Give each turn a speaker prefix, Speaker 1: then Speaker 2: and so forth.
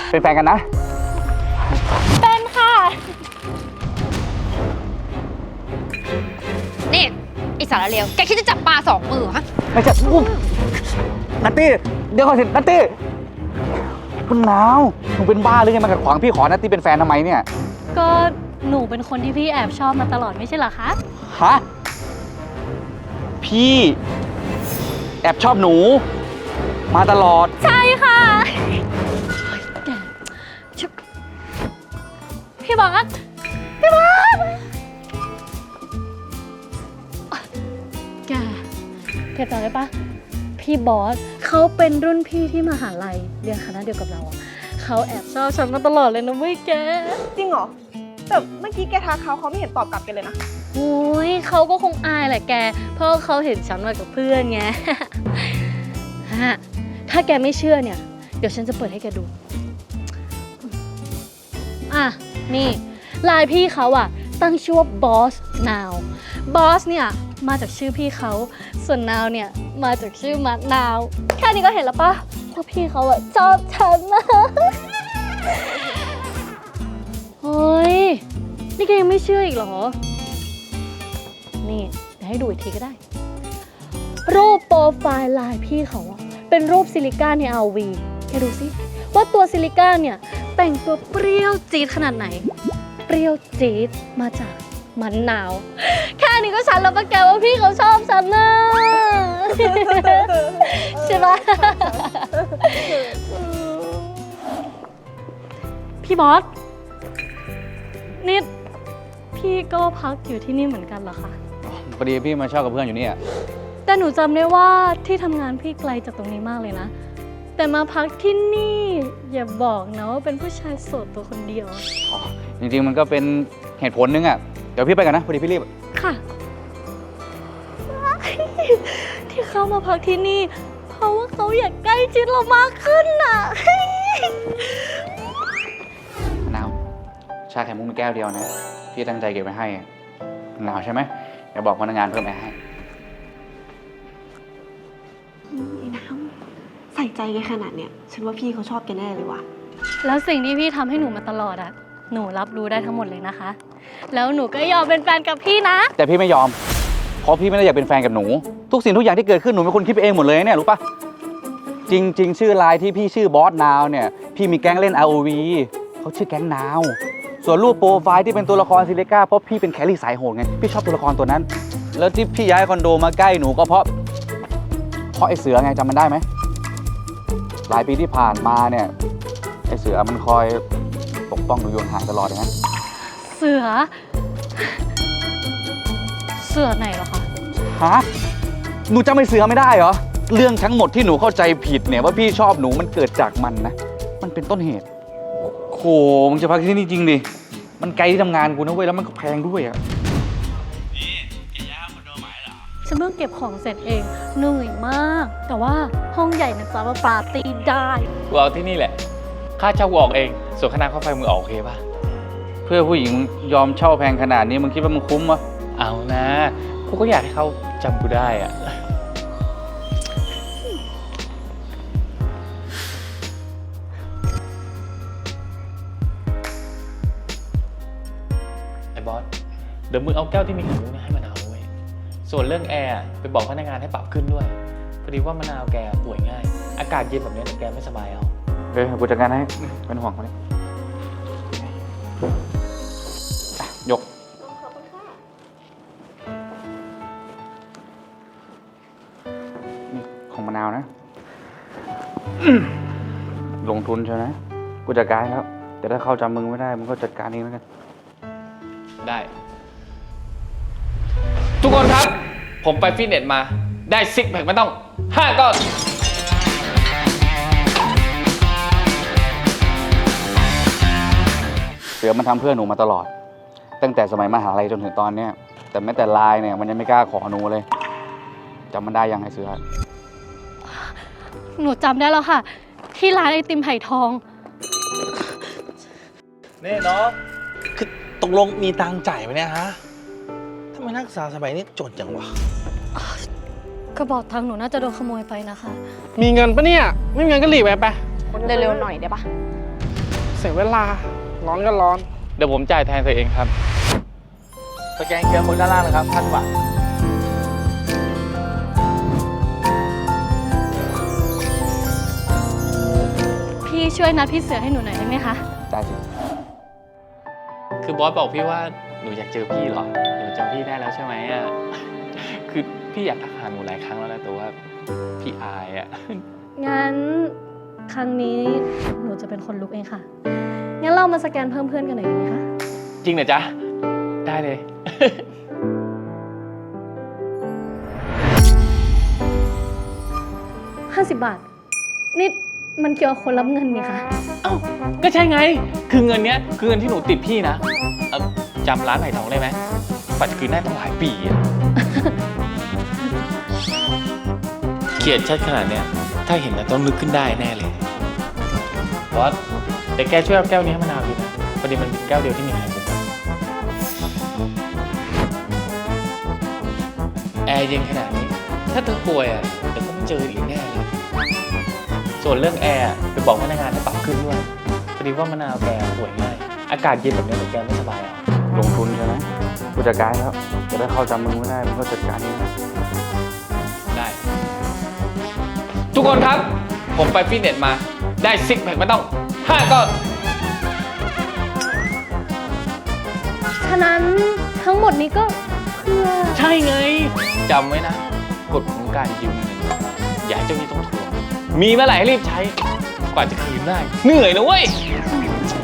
Speaker 1: เป็นแฟนกันนะ
Speaker 2: เป็นค่ะนี่ไอสารเลวแกคิดจะจับปลา2 มือฮะ
Speaker 1: ไม่ใช่นัตตี้เดี๋ยวก่อนสินัตตี้คุณนาวหนูเป็นบ้าหรือไงมาขัดขวางพี่ขอนัตตี้เป็นแฟนทำไมเนี่ย
Speaker 3: ก็หนูเป็นคนที่พี่แอบชอบมาตลอดไม่ใช่เหรอคะ
Speaker 1: ฮะพี่แอบชอบหนูมาตลอด
Speaker 3: ใช่ค่ะพี่บอสแกจำได้ปะพี่บอสเขาเป็นรุ่นพี่ที่มหาลัยเรียนคณะเดียวกับเราเขาแอบชอบฉันมาตลอดเลยนะเว้ยแก
Speaker 4: จริงเหรอแต่เมื่อกี้แกทักเขาไม่เห็นตอบกลับกันเลยนะ
Speaker 3: โอ้ยเขาก็คงอายแหละแกเพราะเขาเห็นฉันมากับเพื่อนไง ถ้าแกไม่เชื่อเนี่ยเดี๋ยวฉันจะเปิดให้แกดูนี่ไลน์พี่เขาตั้งชื่อว่า Boss Now Boss เนี่ยมาจากชื่อพี่เขาส่วน Now เนี่ยมาจากชื่อมะนาวแค่นี้ก็เห็นแล้วปะว่าพี่เขาชอบฉันนะโอ้ยนี่แกยังไม่เชื่ออีกเหรอนี่เดี๋ยวให้ดูอีกทีก็ได้รูปโปรไฟล์ไลน์พี่เขาเป็นรูปซิลิก้าใน RV แกดูสิว่าตัวซิลิก้าเนี่ยแต่งตัวเปรี้ยวจี๊ดขนาดไหนเปรี้ยวจี๊ดมาจากมะนาวแค่นี้ก็ชัดแล้วปะแกว่าพี่เขาชอบฉันนะใช่ปะพี่บอสนี่พี่ก็พักอยู่ที่นี่เหมือนกันเหรอคะ
Speaker 1: พอดีพี่มาเช่ากับเพื่อนอยู่นี่
Speaker 3: แต่หนูจำได้ว่าที่ทำงานพี่ไกลจากตรงนี้มากเลยนะแต่มาพักที่นี่อย่าบอกนะว่าเป็นผู้ชายโสดตัวคนเดียว
Speaker 1: จริงๆมันก็เป็นเหตุผลนึงเดี๋ยวพี่ไปกันนะพอดีพี่รีบ
Speaker 3: ค่ะที่เขามาพักที่นี่เพราะว่าเขาอยากใกล้ชิดเรามากขึ้น
Speaker 1: นาวชาไข่มุกมีแก้วเดียวนะพี่ตั้งใจเก็บไว้ให้หนาวใช่ไหมเดี๋ยวบอกพนักงานเพิ่มไปให้
Speaker 4: น้ำใส่ใจแกขนาดเนี้ยฉันว่าพี่เขาชอบแกแน่เลยว่ะ
Speaker 3: แล้วสิ่งที่พี่ทำให้หนูมาตลอดหนูรับรู้ได้ทั้งหมดเลยนะคะแล้วหนูก็ยอมเป็นแฟนกับพี่นะ
Speaker 1: แต่พี่ไม่ยอมเพราะพี่ไม่ได้อยากเป็นแฟนกับหนูทุกสิ่งทุกอย่างที่เกิดขึ้นหนูเป็นคนคิดไปเองหมดเลยเนี่ยรู้ปะจริงๆชื่อไลน์ที่พี่ชื่อบอสนาวเนี่ยพี่มีแก๊งเล่น ROV เขาชื่อแก๊งนาวส่วนรูปโปรไฟล์ที่เป็นตัวละครซิลิก้าเพราะพี่เป็นแครี่สายโหดไงพี่ชอบตัวละครตัวนั้นแล้วที่พี่ย้ายคอนโดมาใกล้หนูก็เพราะไอ้เสือไงจำมันได้ไหมหลายปีที่ผ่านมาเนี่ยไอ้เสือมันคอยปกป้องหนูอยู่ห่างตลอดเลยนะ
Speaker 3: เสือไหนเหรอคะ
Speaker 1: ฮะหนูจำไอ้เสือไม่ได้เหรอเรื่องทั้งหมดที่หนูเข้าใจผิดเนี่ยว่าพี่ชอบหนูมันเกิดจากมันนะมันเป็นต้นเหตุโหมึงจะพักที่นี่จริงดิมันไกลที่ทำงานกูนะเว้ยแล้วมันก็แพงด้วย
Speaker 5: นี่แกย้ายคอนโดใหม่เหรอ
Speaker 3: ฉันเพิ่งเก็บของเสร็จเองเหนื่อยมากแต่ว่าห้องใหญ่นะจ๊ะว่าปาร์ตี้ได้
Speaker 5: กูเอาที่นี่แหละค่าเช่ากูออกเองส่วนค่าน้ำค่าไฟมึงออกโอเคป่ะ
Speaker 1: เพื่อผู้หญิงยอมเช่าแพงขนาดนี้มึงคิดว่ามึงคุ้มวะ
Speaker 5: เอานะกูก็อยากให้เขาจำกูได้อะไอ้บอสเดี๋ยวมึงเอาแก้วที่มีไข่มุกให้มะนาวด้วยส่วนเรื่องแอร์ไปบอกพนักงานให้ปรับขึ้นด้วยพอดีว่ามะนาวแกป่วยง่ายอากาศเย็นแบบนี้แกไม่สบายเอา
Speaker 1: กูจัดการให้เป็นห่วงเขาเลยยก
Speaker 4: ขอบคุณค่ะ
Speaker 1: นี่ของมะนาวนะลงทุนใช่ไหมกูจัดการครับแต่ถ้าเขาจำมึงไม่ได้มึงก็จัดการเองแล้วกัน
Speaker 5: ได้ทุกคนครับผมไปฟิตเนสมาได้ซิกแพคไม่ต้อง5 ก้อน
Speaker 1: เสือมันทำเพื่อหนูมาตลอดตั้งแต่สมัยมหาลัยจนถึงตอนเนี้ยแต่แม้แต่ไลน์เนี่ยมันยังไม่กล้าขอหนูเลยจำมันได้ยังไงเสือ
Speaker 3: หนูจำได้แล้วค่ะที่ร้านไอติมไผ่ทอง
Speaker 6: นี่น้องคือตกลงมีตังค์จ่ายไหมเนี่ยฮะทำไมนักศึกษาสมัยนี้จนจังวะ
Speaker 3: กระเป๋าตังค์หนูน่าจะโดนขโมยไปนะคะ
Speaker 7: มีเงินปะเนี่ยไม่มีเงินก็หลีกไป
Speaker 4: เร็วๆหน่อยได้ปะ
Speaker 7: สียเวลา ร้อนก็ร้อน
Speaker 5: เดี๋ยวผมจ่ายแทนตัวเองครับ
Speaker 6: สแกนเคอร์โค้ดด้านล่างนะครับ1,000 บาท
Speaker 3: พี่ช่วยนัดพี่เสือให้หนูหน่อยได้ไหมคะ
Speaker 1: ได้สิ
Speaker 5: คือบอสบอกพี่ว่าหนูอยากเจอพี่เหรอ หนูจำพี่ได้แล้วใช่ไหมอ่ะ คือพี่อยากทักหาหนูหลายครั้งแล้วนะแต่ว่าพี่อายอ่ะ
Speaker 3: งั้นครั้งนี้หนูจะเป็นคนลุกเองค่ะ งั้นเรามาสแกนเพิ่มเพื่อนกันหน่อยดีไหมคะ
Speaker 5: จริงเหรอจ๊ะ ได้เลย
Speaker 3: 50 บาท นี่มันเกี่ยวกับคนรับเงินนี่คะ
Speaker 5: เอ้าก็ใช่ไง คือเงินเนี้ยคือเงินที่หนูติดพี่นะจำร้านไหนทองได้ไหมปัจจุบันได้ตั้งหลายปีอะ เขียนชัดขนาดเนี้ยถ้าเห็นแล้วต้องนึกขึ้นได้แน่เลยบอสแต่แกช่วยเอาแก้วนี้ให้มะนาวดีนะพอดีมันเป็นแก้วเดียวที่มีขายผมแอร์เย็นขนาดนี้ ถ้าเธอป่วยอ่ะเดี๋ยวก็ไม่เจออีกแน่เลยส่วนเรื่องแอร์ไปบอกพนักงานให้ปรับขึ้นด้วยพอดีว่ามะนาวแกป่วยง่ายอากาศเย็นแบบนี้เดี๋ยวแกไม่สบายอ่ะ
Speaker 1: ลงทุนใช่ไหมกูจัดการแล้ว จะได้เข้าจำมึงไม่ได้มึงก็จัดการเองนะ
Speaker 5: ได้ ทุกคนครับ ผมไปฟิตเนสมาได้ซิกแพคมาต้อง5ก้อน
Speaker 3: ฉะนั้นทั้งหมดนี้ก็เพื่อ
Speaker 5: ใช่ไงจำไว้นะกฎของการยืมเงินอย่าให้เจ้าหนี้ต้องทวงมีเมื่อไหร่ให้รีบใช้กว่าจะคืนได้เหนื่อยนะเว้ย
Speaker 3: ใช่